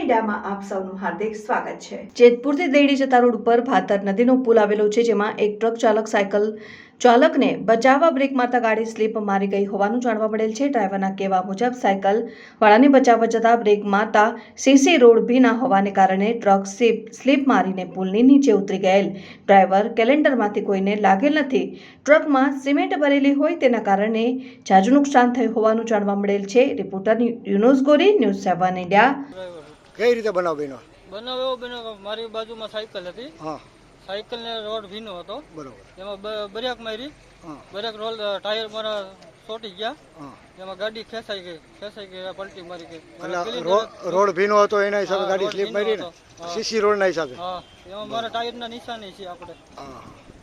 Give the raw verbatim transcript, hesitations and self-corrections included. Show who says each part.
Speaker 1: મીડિયામાં આપ સૌનું હાર્દિક સ્વાગત છે। જેતપુરથી દેડી જતા રોડ ઉપર ભાતર નદીનો પુલ આવેલો છે, જેમાં એક ટ્રક ચાલક સાયકલ ચાલકને બચાવવા બ્રેક મારતા ગાડી સ્લીપ મારી ગઈ હોવાનું જાણવા મળેલ છે। ડ્રાઈવરના કહેવા મુજબ સાયકલ વાળાને બચાવવા જતા બ્રેક મારતા સીસી રોડ ભીના હોવાને કારણે ટ્રક સ્લીપ મારીને પુલની નીચે ઉતરી ગયેલ। ડ્રાઈવર કેલેન્ડરમાંથી કોઈને લાગેલ નથી। ટ્રકમાં સિમેન્ટ ભરેલી હોય તેના કારણે જાજુ નુકસાન થયું હોવાનું જાણવા મળેલ છે। રિપોર્ટર યુનુસ ગોરી, ન્યૂઝ સેવન ઇન્ડિયા।
Speaker 2: કઈ રીતે બનાવ બન્યો?
Speaker 3: બનાવ એવો બન્યો, મારી બાજુમાં સાયકલ હતી।
Speaker 2: હા,
Speaker 3: સાયકલ ને રોડ ભીનો હતો,
Speaker 2: બરોબર।
Speaker 3: એમાં બ્રેક મારી,
Speaker 2: હા,
Speaker 3: બ્રેક રોલ ટાયર મારા ચોટી ગયા,
Speaker 2: હા,
Speaker 3: એમાં ગાડી ખેંચાઈ ગઈ, ખેંચાઈ ગઈ, પલટી મારી ગઈ।
Speaker 2: એટલે રો- રોડ ભીનો હતો એના હિસાબે
Speaker 3: હા,
Speaker 2: ગાડી
Speaker 3: રોડ
Speaker 2: સ્લીપ
Speaker 3: ભીનો
Speaker 2: મારી ને
Speaker 3: હતો। હા,
Speaker 2: સીસી રોડ ના હિસાબે।
Speaker 3: હા, એમાં મારા ટાયરના નિશાની છે આપણે।
Speaker 2: હા,